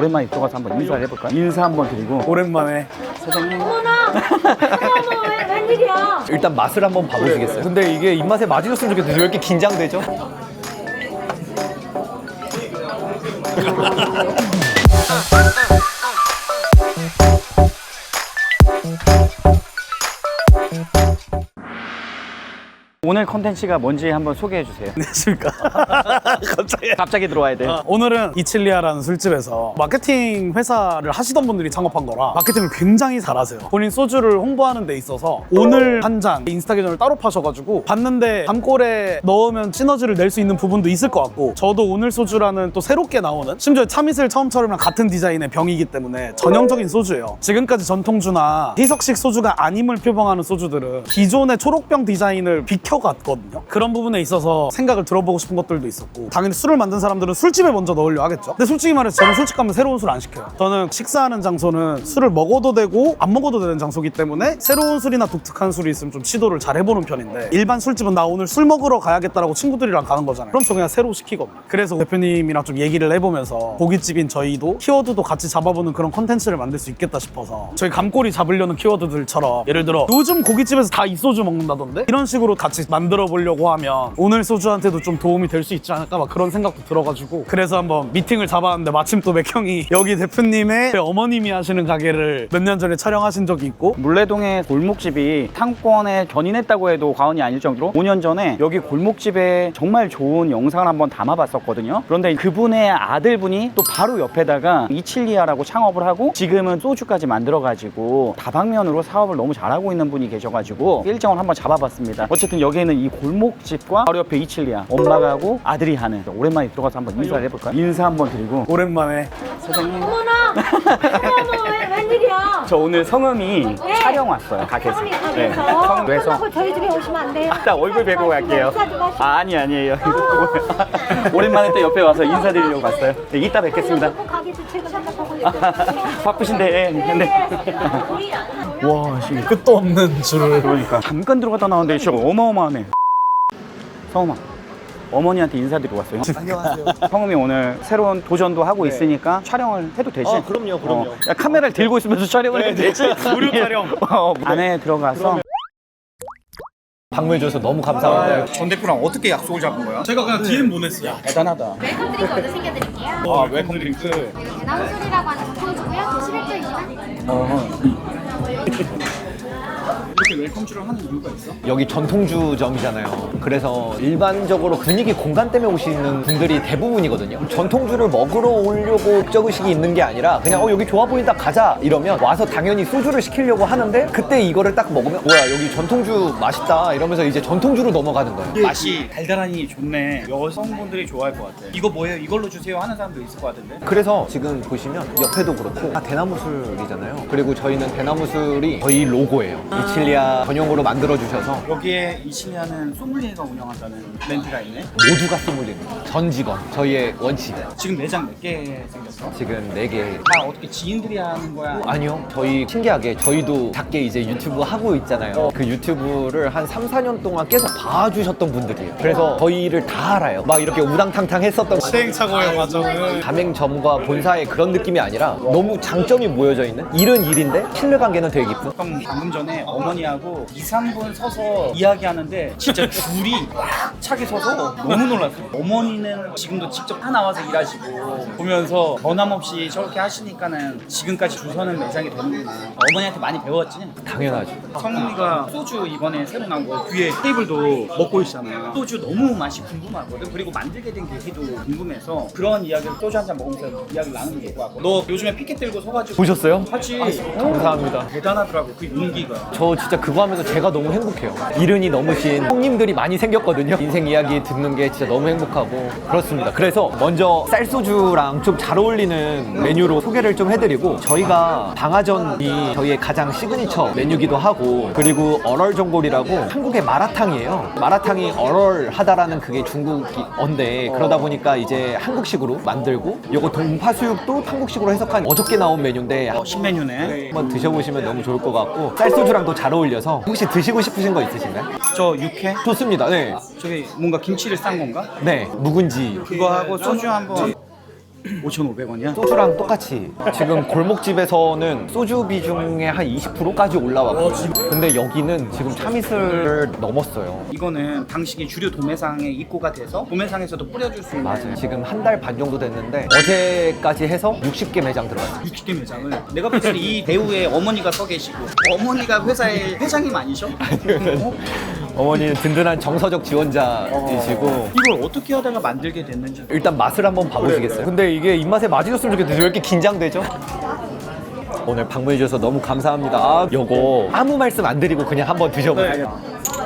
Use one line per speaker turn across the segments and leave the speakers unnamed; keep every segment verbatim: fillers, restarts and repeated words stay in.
오랜만에 들어가서 한번 인사를 해볼까요? 인사 한번 드리고.
오랜만에.
사장님.
어머나! 어머, 왜, 웬일이야?
일단 맛을 한번 봐보시겠어요? 근데 이게 입맛에 맞으셨으면 좋겠는데 왜 이렇게 긴장되죠?
오늘 컨텐츠가 뭔지 한번 소개해 주세요.
안녕하십니까. 갑자기.
갑자기 들어와야 돼.
아, 오늘은 이칠리아라는 술집에서 마케팅 회사를 하시던 분들이 창업한 거라 마케팅을 굉장히 잘하세요. 본인 소주를 홍보하는 데 있어서 오늘 한 잔 인스타 계정을 따로 파셔가지고 봤는데 담골에 넣으면 시너지를 낼 수 있는 부분도 있을 것 같고, 저도 오늘 소주라는 또 새롭게 나오는, 심지어 참이슬 처음처럼랑 같은 디자인의 병이기 때문에 전형적인 소주예요. 지금까지 전통주나 희석식 소주가 아님을 표방하는 소주들은 기존의 초록병 디자인을 비켜갔거든요. 그런 부분에 있어서 생각을 들어보고 싶은 것들도 있었고, 당연히 술을 만든 사람들은 술집에 먼저 넣으려 하겠죠. 근데 솔직히 말해서 저는 술집 가면 새로운 술 안 시켜요. 저는 식사하는 장소는 술을 먹어도 되고 안 먹어도 되는 장소이기 때문에 새로운 술이나 독특한 술이 있으면 좀 시도를 잘 해보는 편인데, 일반 술집은 나 오늘 술 먹으러 가야겠다라고 친구들이랑 가는 거잖아요. 그럼 저 그냥 새로 시키거든요. 그래서 대표님이랑 좀 얘기를 해보면서 고깃집인 저희도 키워드도 같이 잡아보는 그런 컨텐츠를 만들 수 있겠다 싶어서, 저희 감꼬리 잡으려는 키워드들처럼 예를 들어 요즘 고깃집에서 다 이 소주 먹는다던데, 이런 식으로 같이 만들어 보려고 하면 오늘 소주한테도 좀 도움이 될 수 있지 않을까, 막 그런 생각도 들어가지고, 그래서 한번 미팅을 잡았는데 마침 또 맥형이 여기 대표님의 어머님이 하시는 가게를 몇 년 전에 촬영하신 적이 있고,
물레동의 골목집이 상권에 견인했다고 해도 과언이 아닐 정도로 오 년 전에 여기 골목집에 정말 좋은 영상을 한번 담아봤었거든요. 그런데 그분의 아들분이 또 바로 옆에다가 이칠리아라고 창업을 하고 지금은 소주까지 만들어가지고 다방면으로 사업을 너무 잘하고 있는 분이 계셔가지고 일정을 한번 잡아봤습니다. 어쨌든 여기에는 이 골목집과 바로 옆에 이칠리아, 엄마가 하고 아들이 하는, 오랜만에 들어가서 한번 인사를 해볼까요? 인사 한번 드리고.
오랜만에.
사장님.
어머나! 어머, 왜, 웬일이야?
저 오늘 성음이
네.
촬영 왔어요, 가게에서.
성함이
네,
가게에서.
성음 외서.
끝나고 저희 집에 오시면 안 돼요?
나 얼굴 뵈고 갈게요.
인사 좀 하시고.
아, 아니 아니에요. 오랜만에 또 옆에 와서 인사드리려고 왔어요. 네, 이따 뵙겠습니다.
꼭 가게도 최고 생각하고 있어요.
바쁘신데. 네. 네. 와, 씨.
끝도 없는 줄을.
그러니까 잠깐 들어갔다 나왔는데 진짜 어마어마하네. 성음아, 어머니한테 인사드리고 왔어요.
안녕하세요.
성음이 오늘 새로운 도전도 하고 있으니까 촬영을 해도 되지?
아, 그럼요, 그럼요.
어, 야, 카메라를 들고 있으면서 촬영을 해도 되지?
무료 촬영.
어, 안에 들어가서.
방문해줘서 너무 감사합니다.
전 대표랑 어떻게 약속을 잡은 거야?
제가 그냥 디엠 보냈어요.
대단하다.
웰컴 드링크 먼저 챙겨드릴게요.
아, 웰컴 드링크.
대나무 술이라고 하는 전통주고요. 도시백 주입니다.
어. 이렇게 웰컴주를 하는 이유가 있어?
여기 전통주점이잖아요. 그래서 일반적으로 분위기 공간 때문에 오시는 분들이 대부분이거든요. 전통주를 먹으러 오려고 목적의식이 있는 게 아니라 그냥 어 여기 좋아 보인다 가자 이러면 와서 당연히 소주를 시키려고 하는데, 그때 이거를 딱 먹으면 뭐야 여기 전통주 맛있다 이러면서 이제 전통주로 넘어가는 거예요.
맛이 달달하니 좋네. 여성분들이 좋아할 것 같아. 이거 뭐예요? 이걸로 주세요 하는 사람도 있을 것 같은데.
그래서 지금 보시면 옆에도 그렇고 다 대나무 술이잖아요. 그리고 저희는 대나무 술이 저희 로고예요. 이칠리아 전용으로 만들어 주셔서
여기에 이칠리아는 소믈리에가 운영한다는 브랜드가 있네.
모두가 소믈리에입니다. 전 직원, 저희의 원칙.
지금 매장 몇 개 생겼어?
지금 네 개.
다 어떻게 지인들이 하는 거야?
아니요. 저희 신기하게 저희도 작게 이제 유튜브 하고 있잖아요. 그 유튜브를 한 삼, 사 년 동안 계속 봐주셨던 분들이에요. 그래서 저희를 다 알아요. 막 이렇게 우당탕탕 했었던
시행착오의 과정을.
가맹점과 본사의 그런 느낌이 아니라 너무 장점이 모여져 있는, 일은 일인데 신뢰관계는 되게 깊은.
형 방금 전에 어머니하고 이, 삼 분 서서 이야기하는데 진짜 줄이 꽉 차게 서서 너무 놀랐어요. 어머니는 지금도 직접 다 나와서 일하시고 보면서 변함없이 저렇게 하시니까는 지금까지 줄 서는 매장이 되는구나. 어머니한테 많이 배웠지?
당연하죠.
성훈이가 소주 이번에 새로 나온 거 뒤에 테이블도 먹고 있잖아요. 소주 너무 맛이 궁금하거든. 그리고 만들게 된 계기도 궁금해서 그런 이야기를 소주 한 잔 먹으면서 이야기를 나누는 게 좋고, 너 요즘에 피켓 들고 서가지고
보셨어요?
하지.
감사합니다.
대단하더라고 그 용기가.
저 진짜 그거 하면서 제가 너무 행복해요. 이른이 넘으신 형님들이 많이 생겼거든요. 인생 이야기 듣는 게 진짜 너무 행복하고 그렇습니다. 그래서 먼저 쌀소주랑 좀 잘 어울리는 메뉴로 소개를 좀 해드리고, 저희가 방아전이 저희의 가장 시그니처 메뉴기도 하고, 그리고 얼얼전골이라고 한국의 마라탕이에요. 마라탕이 얼얼하다라는 그게 중국어인데, 그러다 보니까 이제 한국식으로 만들고, 요거 동파수육도 한국식으로 해석한 어저께 나온 메뉴인데
어, 신메뉴네.
한번 드셔보시면 너무 좋을 것 같고, 쌀소주랑도 잘 어울려서 혹시 드시고 싶으신 거 있으신가요?
저 육회?
좋습니다. 네.
저기 뭔가 김치를 싼 건가?
네. 묵은지.
그거 하고 소주 한번. 오천오백 원이야?
소주랑 똑같이 지금 골목집에서는 소주 비중의 한 이십 퍼센트까지 올라왔고 근데 여기는 지금 참이슬을 넘었어요.
이거는 당시에 주류 도매상에 입고가 돼서 도매상에서도 뿌려줄 수 있는
맞아요. 지금 한 달 반 정도 됐는데 어제까지 해서 육십 개 매장 들어갔어요.
육십 개 매장을 내가 봤을 때 이 배우의 어머니가 서 계시고 어머니가 회사의 회장님 아니셔? 어?
어머니는 든든한 정서적 지원자이시고
이걸 어떻게 하다가 만들게 됐는지
일단 맛을 한번 봐보시겠어요? 근데 이게 입맛에 맞으셨으면 좋겠는데 왜 이렇게 긴장되죠? 오늘 방문해 주셔서 너무 감사합니다. 아, 요거 아무 말씀 안 드리고 그냥 한번 드셔보세요.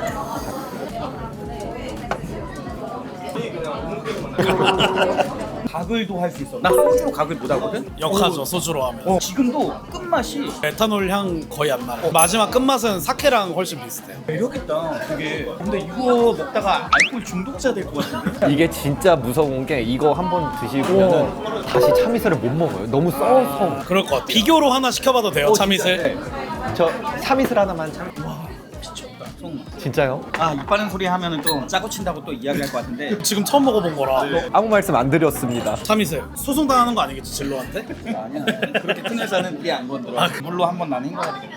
가글도 할 수 있어. 나 소주로 가글 못 하거든?
역하죠, 소주로 하면.
어, 지금도 끝맛이
에탄올 향 거의 안 나고 마지막 끝맛은 사케랑 훨씬 비슷해요.
매력있다 되게. 근데 이거 먹다가 알코올 중독자 될 것 같은데?
이게 진짜 무서운 게 이거 한번 드시면은 다시 참이슬을 못 먹어요. 너무 써서.
그럴 것 같아. 비교로 하나 시켜봐도 돼요, 참이슬?
저 참이슬 하나만 참.
미쳤다 정말.
진짜요?
아 이빠른 소리 하면은 또 짜고 친다고 또 이야기할 것 같은데
지금 처음 먹어본 거라.
아무 말씀 안 드렸습니다.
참이슬 소송 당하는 거 아니겠지, 진로한테?
아니야 그렇게 큰 회사는 우리 안 건드려. 물로 한번 나는 헹궈야 되겠다.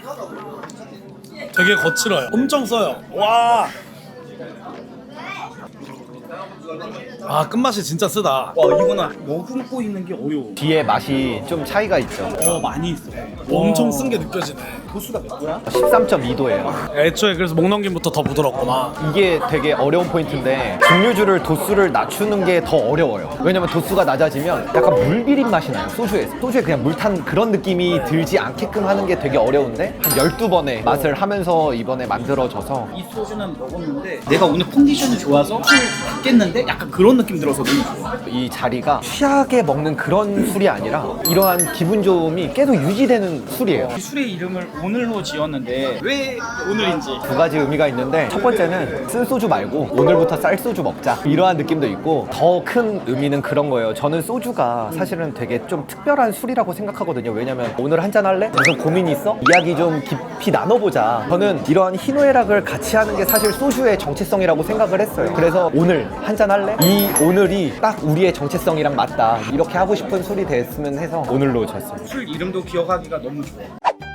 되게 거칠어요. 엄청 써요. 와. 아, 끝맛이 진짜 쓰다.
와 이거는 머금고 있는 게 어려워.
뒤에 맛이 좀 차이가 있죠.
어 많이 있어.
엄청 쓴 게 느껴지네.
도수가 몇 도야?
십삼 점 이 도예요.
애초에 그래서 목 넘김부터 더 부드럽구나.
이게 되게 어려운 포인트인데 증류주를 도수를 낮추는 게 더 어려워요. 왜냐면 도수가 낮아지면 약간 물 비린 맛이 나요. 소주에서. 소주에 그냥 물 탄 그런 느낌이 들지 않게끔 하는 게 되게 어려운데 한 열두 번의 맛을 하면서 이번에 만들어져서
이 소주는 먹었는데 내가 오늘 컨디션이 좋아서 술 받겠는데 약간 그런 느낌 들어서 너무 좋아.
이 자리가 취하게 먹는 그런 술이 아니라 이러한 기분 좋음이 계속 유지되는 술이에요.
이 술의 이름을 오늘로 지었는데 왜 오늘인지.
두 가지 의미가 있는데 첫 번째는 쓴 소주 말고 오늘부터 쌀 소주 먹자 이러한 느낌도 있고 더 큰 의미는 그런 거예요. 저는 소주가 사실은 되게 좀 특별한 술이라고 생각하거든요. 왜냐면 오늘 한잔 할래? 무슨 고민이 있어? 이야기 좀 깊이 나눠보자. 저는 이러한 희노애락을 같이 하는 게 사실 소주의 정체성이라고 생각을 했어요. 그래서 오늘 한잔 할래? 이 오늘이 딱 우리의 정체성이랑 맞다. 이렇게 하고 싶은 술이 됐으면 해서 오늘로 졌어요.
술 이름도 기억하기가 너무 좋아.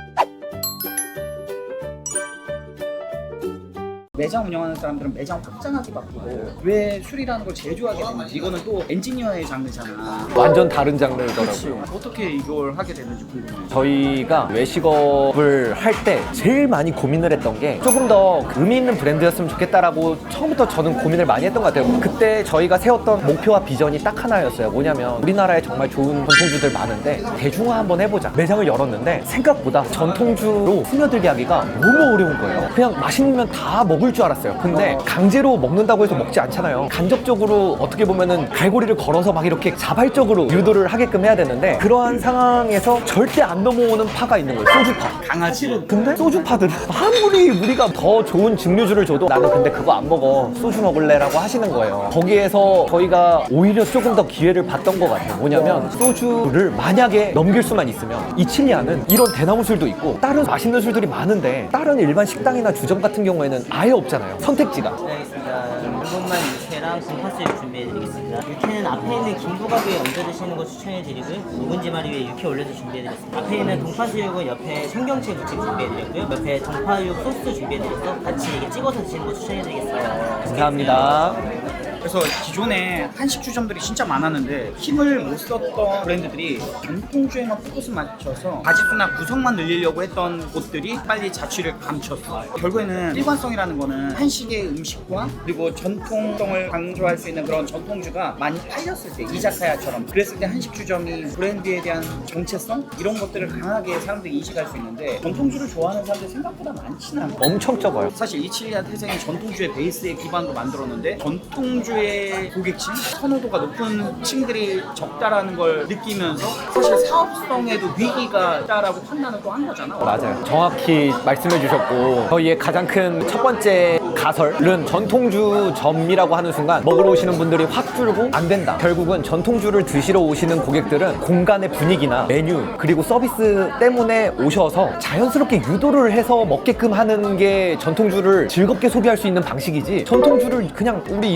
매장 운영하는 사람들은 매장 확장하기 바쁘고 왜 술이라는 걸 제일 좋아하게 되는지. 이거는 또 엔지니어의 장르잖아.
완전 다른 장르더라고요.
그치. 어떻게 이걸 하게 됐는지 궁금해.
저희가 외식업을 할 때 제일 많이 고민을 했던 게 조금 더 의미 있는 브랜드였으면 좋겠다라고 처음부터 저는 고민을 많이 했던 것 같아요. 그때 저희가 세웠던 목표와 비전이 딱 하나였어요. 뭐냐면 우리나라에 정말 좋은 전통주들 많은데 대중화 한번 해보자. 매장을 열었는데 생각보다 전통주로 스며들게 하기가 너무 어려운 거예요. 그냥 맛있는 다 먹을 줄 알았어요. 근데 강제로 먹는다고 해서 먹지 않잖아요. 간접적으로 어떻게 보면은 갈고리를 걸어서 막 이렇게 자발적으로 유도를 하게끔 해야 되는데 그러한 상황에서 절대 안 넘어오는 파가 있는 거예요. 소주파.
강아지.
근데 소주파들은 아무리 우리가 더 좋은 증류주를 줘도 나는 근데 그거 안 먹어. 소주 먹을래? 라고 하시는 거예요. 거기에서 저희가 오히려 조금 더 기회를 봤던 것 같아요. 뭐냐면 소주를 만약에 넘길 수만 있으면 이칠리아는 이런 대나무 술도 있고 다른 맛있는 술들이 많은데 다른 일반 식당이나 주점 같은 경우에는 아예 없잖아요. 선택지가.
네, 알겠습니다. 한번만 육회랑 돈파스를 준비해드리겠습니다. 육회는 앞에 있는 김부각 위에 얹어 드시는 거 추천해드리고요. 묵은지 마리 위에 육회 올려서 준비해드렸습니다. 앞에 있는 돈파스육은 옆에 청경채 무침 준비해드렸고요. 옆에 정파육 소스 준비해드려서 같이 이게 찍어서 드시는 거 추천해드리겠습니다.
감사합니다.
그래서 기존에 한식주점들이 진짜 많았는데 힘을 못 썼던 브랜드들이 전통주에만 포커스 맞춰서 가짓수나 구성만 늘리려고 했던 곳들이 빨리 자취를 감췄어. 결국에는 일관성이라는 거는 한식의 음식과 그리고 전통성을 강조할 수 있는 그런 전통주가 많이 팔렸을 때, 이자카야처럼 그랬을 때 한식주점이 브랜드에 대한 정체성 이런 것들을 강하게 사람들이 인식할 수 있는데 전통주를 좋아하는 사람들이 생각보다 많지는 않아.
엄청 적어요.
사실 이칠리아 태생이 전통주의 베이스에 기반으로 만들었는데 전통주의 고객층, 선호도가 높은 층들이 적다라는 걸 느끼면서 사실 사업성에도 위기가 있다라고 판단을 또 한 거잖아.
맞아요. 정확히 말씀해 주셨고 저희의 가장 큰 첫 번째 가설은 전통주점이라고 하는 순간 먹으러 오시는 분들이 확 줄고 안 된다. 결국은 전통주를 드시러 오시는 고객들은 공간의 분위기나 메뉴 그리고 서비스 때문에 오셔서 자연스럽게 유도를 해서 먹게끔 하는 게 전통주를 즐겁게 소비할 수 있는 방식이지 전통주를 그냥 우리 이렇게 맛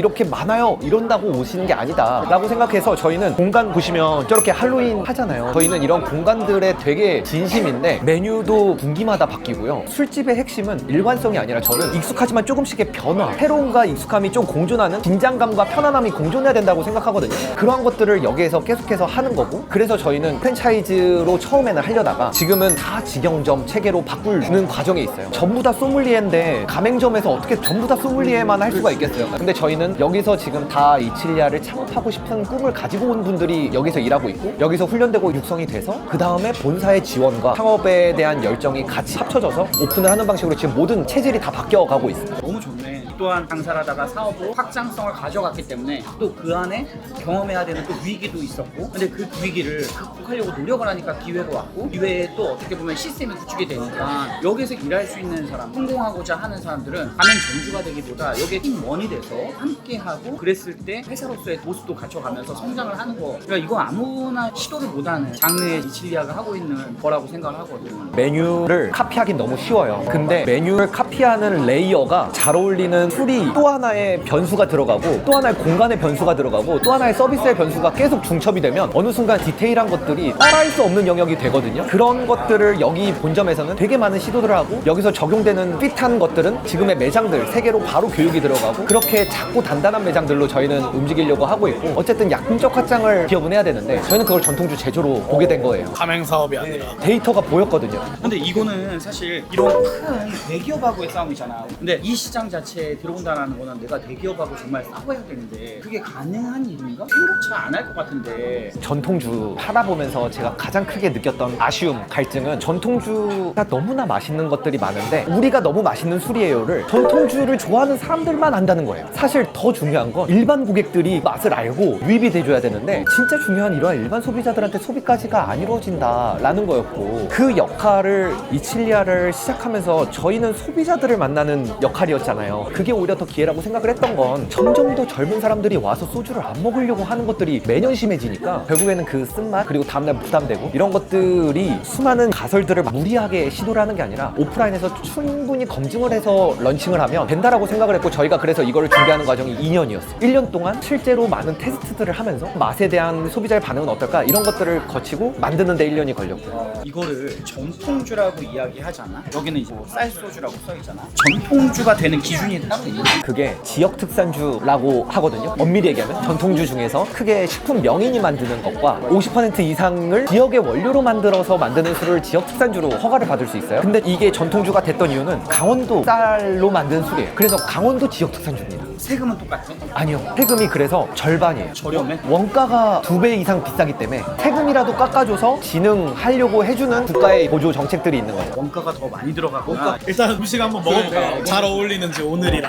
많아요 이런다고 오시는 게 아니다 라고 생각해서 저희는 공간 보시면 저렇게 할로윈 하잖아요. 저희는 이런 공간들에 되게 진심인데 메뉴도 분기마다 바뀌고요. 술집의 핵심은 일관성이 아니라 저는 익숙하지만 조금씩의 변화, 새로움과 익숙함이 좀 공존하는 긴장감과 편안함이 공존해야 된다고 생각하거든요. 그러한 것들을 여기에서 계속해서 하는 거고, 그래서 저희는 프랜차이즈로 처음에는 하려다가 지금은 다 직영점 체계로 바꾸는 과정에 있어요. 전부 다 소믈리에인데 가맹점에서 어떻게 전부 다 소믈리에만 할 수가 있겠어요. 근데 저희는 여기서 지금 다 이칠리아를 창업하고 싶은 꿈을 가지고 온 분들이 여기서 일하고 있고, 여기서 훈련되고 육성이 돼서 그 다음에 본사의 지원과 창업에 대한 열정이 같이 합쳐져서 오픈을 하는 방식으로 지금 모든 체질이 다 바뀌어가고 있어요.
너무 좋네. 또한 장사하다가 사업으로 확장성을 가져갔기 때문에 또 그 안에 경험해야 되는 또 위기도 있었고, 근데 그 위기를 극복하려고 노력을 하니까 기회가 왔고, 기회에 또 어떻게 보면 시스템이 구축이 되니까 여기서 일할 수 있는 사람, 성공하고자 하는 사람들은 가맹 점주가 되기보다 여기에 팀원이 돼서 함께하고, 그랬을 때 회사로서의 모습도 갖춰가면서 성장을 하는 거. 그러니까 이건 아무나 시도를 못하는 장르의 이칠리아가 하고 있는 거라고 생각을 하거든.
메뉴를 카피하긴 너무 쉬워요. 근데 메뉴를 카피하는 레이어가 잘 어울리는 술이 또 하나의 변수가 들어가고, 또 하나의 공간의 변수가 들어가고, 또 하나의 서비스의 변수가 계속 중첩이 되면 어느 순간 디테일한 것들이 따라할 수 없는 영역이 되거든요. 그런 것들을 여기 본점에서는 되게 많은 시도들을 하고, 여기서 적용되는 핏한 것들은 지금의 매장들 세 개로 바로 교육이 들어가고, 그렇게 작고 단단한 매장들로 저희는 움직이려고 하고 있고, 어쨌든 약품적 확장을 기업은 해야 되는데 저희는 그걸 전통주 제조로 보게 된 거예요.
가맹 사업이 아니라.
데이터가 보였거든요.
근데 이거는 사실 이런 큰 대기업하고의 싸움이잖아. 근데 이 시장 자체에 들어온다는 거는 내가 대기업하고 정말 싸워야 되는데 그게 가능한 일인가? 생각치 안 할 것 같은데.
전통주 팔아보면서 제가 가장 크게 느꼈던 아쉬움, 갈증은 전통주가 너무나 맛있는 것들이 많은데 우리가 너무 맛있는 술이에요를 전통주를 좋아하는 사람들만 안다는 거예요. 사실 더 중요한 건 일반 고객들이 맛을 알고 유입이 돼줘야 되는데, 진짜 중요한 이러한 일반 소비자들한테 소비까지가 안 이루어진다라는 거였고, 그 역할을 이칠리아를 시작하면서 저희는 소비자들을 만나는 역할이었잖아요. 그게 오히려 더 기회라고 생각을 했던 건, 점점 더 젊은 사람들이 와서 소주를 안 먹으려고 하는 것들이 매년 심해지니까 결국에는 그 쓴맛, 그리고 다음날 부담되고 이런 것들이 수많은 가설들을 무리하게 시도를 하는 게 아니라 오프라인에서 충분히 검증을 해서 런칭을 하면 된다라고 생각을 했고, 저희가 그래서 이거를 준비하는 과정이 이 년이었어요. 일 년 동안 실제로 많은 테스트들을 하면서 맛에 대한 소비자의 반응은 어떨까 이런 것들을 거치고 만드는 데 일 년이 걸렸고요.
이거를 전통주라고 이야기하잖아. 여기는 이제 뭐 쌀소주라고 써있잖아. 전통주가 되는 기준이 따로 있는 거야.
그게 지역 특산주라고 하거든요. 엄밀히 얘기하면 전통주 중에서 크게 식품 명인이 만드는 것과 오십 퍼센트 이상을 지역의 원료로 만들어서 만드는 술을 지역 특산주로 허가를 받을 수 있어요. 근데 이게 전통주가 됐던 이유는 강원도 쌀로 만든 술이에요. 그래서 강원도 지역 특산주입니다.
세금은 똑같아?
아니요, 세금이 그래서 절반이에요.
저렴해?
원가가 두 배 이상 비싸기 때문에 세금이라도 깎아줘서 진흥하려고 해주는 국가의 보조 정책들이 있는 거죠.
원가가 더 많이 들어가구나.
일단 음식 한번 먹어볼까요? 잘 어울리는지 오늘이랑.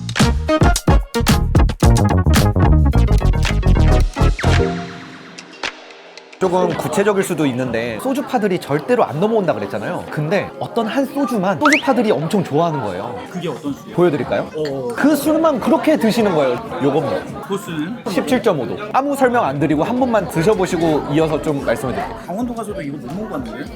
조금 구체적일 수도 있는데, 소주파들이 절대로 안 넘어온다 그랬잖아요. 근데 어떤 한 소주만 소주파들이 엄청 좋아하는 거예요.
그게 어떤 술이야?
보여드릴까요?
어.
그 술만 그렇게 드시는 거예요. 요겁니다.
도수는?
십칠 점 오 도. 아무 설명 안 드리고 한 번만 드셔보시고 이어서 좀 말씀해 드릴게요.
강원도 가서도 이거 못 먹어봤는데?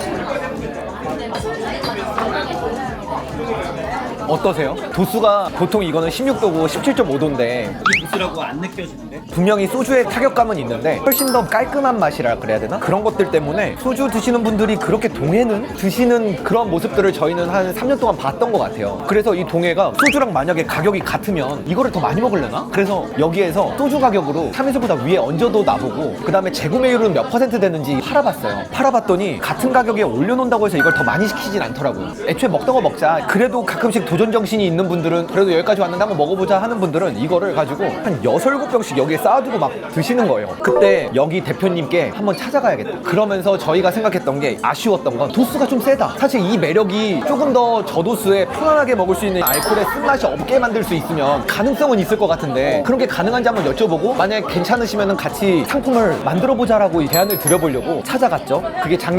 어떠세요? 도수가 보통 이거는 십육 도고 십칠 점 오 도인데
이 도수라고 안 느껴지는데?
분명히 소주의 타격감은 있는데 훨씬 더 깔끔한 맛이라 그래야 되나? 그런 것들 때문에 소주 드시는 분들이 그렇게 동해는 드시는 그런 모습들을 저희는 한 삼 년 동안 봤던 것 같아요. 그래서 이 동해가 소주랑 만약에 가격이 같으면 이거를 더 많이 먹으려나? 그래서 여기에서 소주 가격으로 참이슬보다 위에 얹어도 나보고, 그 다음에 재구매율은 몇 퍼센트 되는지 팔아봤어요. 팔아봤더니 같은 가격에 올려놓는다고 해서 이걸 더 많이 시키진 않더라고요. 애초에 먹던 거 먹자. 그래도 가끔씩 도전 정신이 있는 분들은, 그래도 여기까지 왔는데 한번 먹어보자 하는 분들은 이거를 가지고 한 여섯, 일곱 병씩 여기에 쌓아두고 막 드시는 거예요. 그때 여기 대표님께 한번 찾아가야겠다. 그러면서 저희가 생각했던 게, 아쉬웠던 건 도수가 좀 세다. 사실 이 매력이 조금 더 저도수에 편안하게 먹을 수 있는 알코올의 쓴맛이 없게 만들 수 있으면 가능성은 있을 것 같은데, 그런 게 가능한지 한번 여쭤보고 만약에 괜찮으시면 같이 상품을 만들어보자라고 제안을 드려보려고 찾아갔죠. 그게 작년 추석이었어요.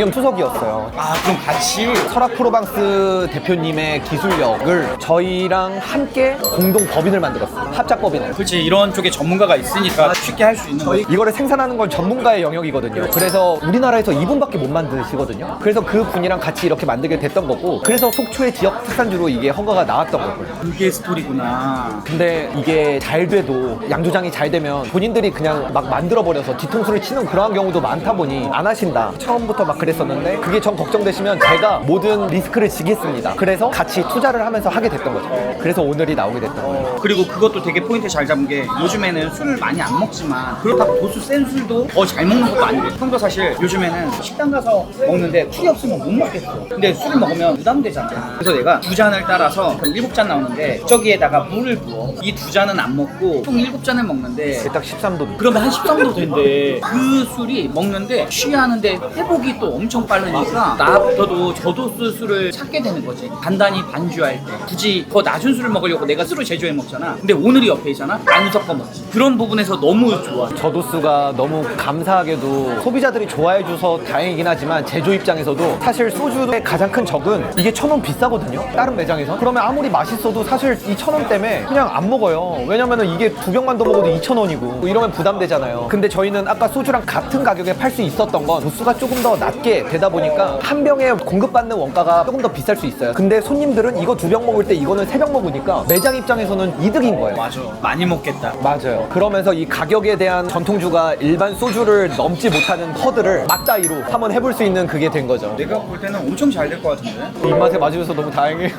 기술력이었어요.
아 그럼 같이
설악 프로방스 대표님의 기술력을 저희랑 함께 공동 법인을 만들었어요. 합작 법인을.
그렇지 이런 쪽에 전문가가 있으니까 쉽게 할 수 있는 거지.
이거를 생산하는 건 전문가의 영역이거든요. 그래서 우리나라에서 이분밖에 못 만드시거든요. 그래서 그 분이랑 같이 이렇게 만들게 됐던 거고, 그래서 속초의 지역 특산주로 이게 허가가 나왔던 거고요.
그게 스토리구나.
근데 이게 잘 돼도, 양조장이 잘 되면 본인들이 그냥 막 만들어버려서 뒤통수를 치는 그러한 경우도 많다 보니 안 하신다. 처음부터 막 그랬었는데 그게 전 걱정되시면 제가 모든 리스크를 지겠습니다. 그래서 같이 투자를 하면서 하게 됐던 거죠. 그래서 오늘이 나오게 됐던 거예요.
그리고 그것도 되게 포인트 잘 잡은 게 요즘에는 술을 많이 안 먹지만 그렇다고 도수 센 술도 더 잘 먹는 것도 아니고, 형도 사실 요즘에는 식당 가서 먹는데 술이 없으면 못 먹겠어. 근데 술을 먹으면 부담되잖아. 그래서 내가 두 잔을 따라서 그럼 일곱 잔 나오는데 저기에다가 물을 부어. 이 두 잔은 안 먹고 총 일곱 잔을 먹는데
딱 십삼 도.
그러면 한 십삼 도 된대. 그 술이 먹는데 취하는데 회복이 또 엄청 빠르니까 나부터도 저도수 술을 찾게 되는 거지. 간단히 반주할 때 굳이 더 낮은 술을 먹으려고 내가 술을 제조해 먹잖아. 근데 오늘이 옆에 있잖아. 안 섞어 먹지. 그런 부분에서 너무 좋아.
저도수가 너무 감사하게도 소비자들이 좋아해줘서 다행이긴 하지만 제조 입장에서도 사실 소주의 가장 큰 적은 이게 천 원 비싸거든요. 다른 매장에서. 그러면 아무리 맛있어도 사실 이 천 원 때문에 그냥 안 먹어요. 왜냐면은 이게 두 병만 더 먹어도 이천 원이고 이러면 부담되잖아요. 근데 저희는 아까 소주랑 같은 가격에 팔 수 있었던 건 도수가 조금 더 낮게 되다 보니까 한 병에 공급받는 원가가 조금 더 비쌀 수 있어요. 근데 손님들은 이거 두 병 먹을 때 이거는 세 병 먹으니까 매장 입장에서는 이득인 거예요.
맞아. 많이 먹겠다.
맞아요. 그러면서 이 가격에 대한 전통주가 일반 소주를 넘지 못하는 허들을 맞다이로 한번 해볼 수 있는 그게 된 거죠.
내가 볼 때는 엄청 잘 될 것 같은데.
입맛에 맞으셔서 너무 다행이에요.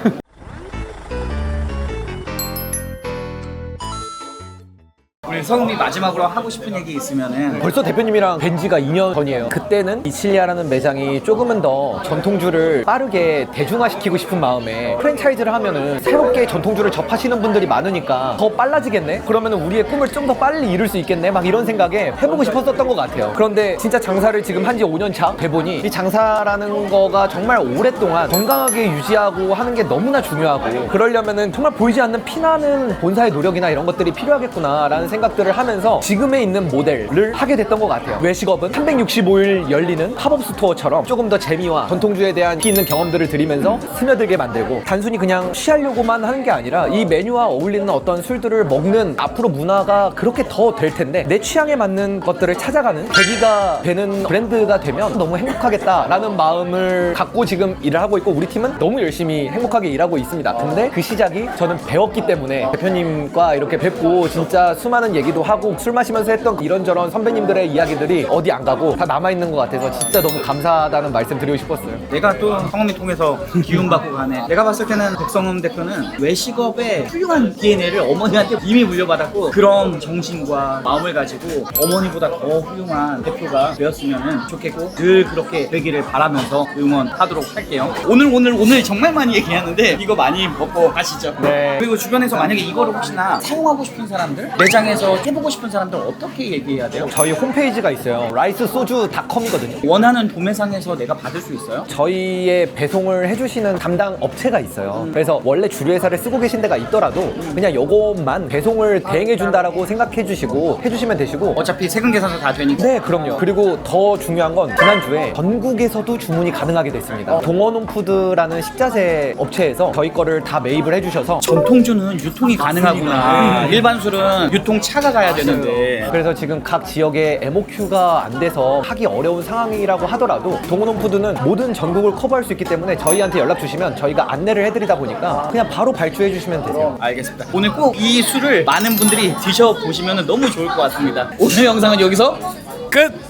우리 성음이 마지막으로 하고 싶은 얘기 있으면은.
벌써 대표님이랑 뵌 지가 이 년 전이에요. 그때는 이칠리아라는 매장이 조금은 더 전통주를 빠르게 대중화시키고 싶은 마음에 프랜차이즈를 하면은 새롭게 전통주를 접하시는 분들이 많으니까 더 빨라지겠네? 그러면은 우리의 꿈을 좀 더 빨리 이룰 수 있겠네? 막 이런 생각에 해보고 싶었었던 것 같아요. 그런데 진짜 장사를 지금 한 지 오 년 차 돼보니 이 장사라는 거가 정말 오랫동안 건강하게 유지하고 하는 게 너무나 중요하고, 그러려면은 정말 보이지 않는 피나는 본사의 노력이나 이런 것들이 필요하겠구나라는 생각들을 하면서 지금에 있는 모델을 하게 됐던 것 같아요. 외식업은 삼백육십오 일 열리는 팝업 스토어처럼 조금 더 재미와 전통주에 대한 깊이 있는 경험들을 드리면서 스며들게 만들고, 단순히 그냥 취하려고만 하는 게 아니라 이 메뉴와 어울리는 어떤 술들을 먹는 앞으로 문화가 그렇게 더 될 텐데 내 취향에 맞는 것들을 찾아가는 계기가 되는 브랜드가 되면 너무 행복하겠다라는 마음을 갖고 지금 일을 하고 있고, 우리 팀은 너무 열심히 행복하게 일하고 있습니다. 근데 그 시작이 저는 배웠기 때문에 대표님과 이렇게 뵙고 진짜 수많은 얘기도 하고 술 마시면서 했던 이런저런 선배님들의 이야기들이 어디 안 가고 다 남아있는 것 같아서 진짜 너무 감사하다는 말씀 드리고 싶었어요.
내가 또 성음이 통해서 기운받고 가네. 내가 봤을 때는 백성음 대표는 외식업의 훌륭한 디엔에이를 어머니한테 이미 물려받았고, 그런 정신과 마음을 가지고 어머니보다 더 훌륭한 대표가 되었으면 좋겠고 늘 그렇게 되기를 바라면서 응원하도록 할게요. 오늘 오늘 오늘 정말 많이 얘기하는데 이거 많이 먹고 가시죠.
네.
그리고 주변에서 만약에 이거를 혹시나 사용하고 싶은 사람들, 매장에서 해보고 싶은 사람들 어떻게 얘기해야 돼요?
저희 홈페이지가 있어요. 라이스 소주 닷컴이거든요.
원하는 도매상에서 내가 받을 수 있어요?
저희의 배송을 해주시는 담당 업체가 있어요. 그래서 원래 주류회사를 쓰고 계신 데가 있더라도 그냥 요것만 배송을 대행해준다라고 생각해 주시고 해주시면 되시고.
어차피 세금 계산서 다 되니까.
네, 그럼요. 그리고 더 중요한 건 지난주에 전국에서도 주문이 가능하게 됐습니다. 동원홈푸드라는 식자재 업체에서 저희 거를 다 매입을 해주셔서
전통주는 유통이 가능하구나. 일반 술은 유통 차가 가야 되는데.
그래서 지금 각 지역에 엠오큐가 안 돼서 하기 어려운 상황이라고 하더라도 동원홈푸드는 모든 전국을 커버할 수 있기 때문에 저희한테 연락 주시면 저희가 안내를 해드리다 보니까 그냥 바로 발주해 주시면 되세요.
알겠습니다. 오늘 꼭 이 술을 많은 분들이 드셔보시면 너무 좋을 것 같습니다. 오늘 영상은 여기서 끝!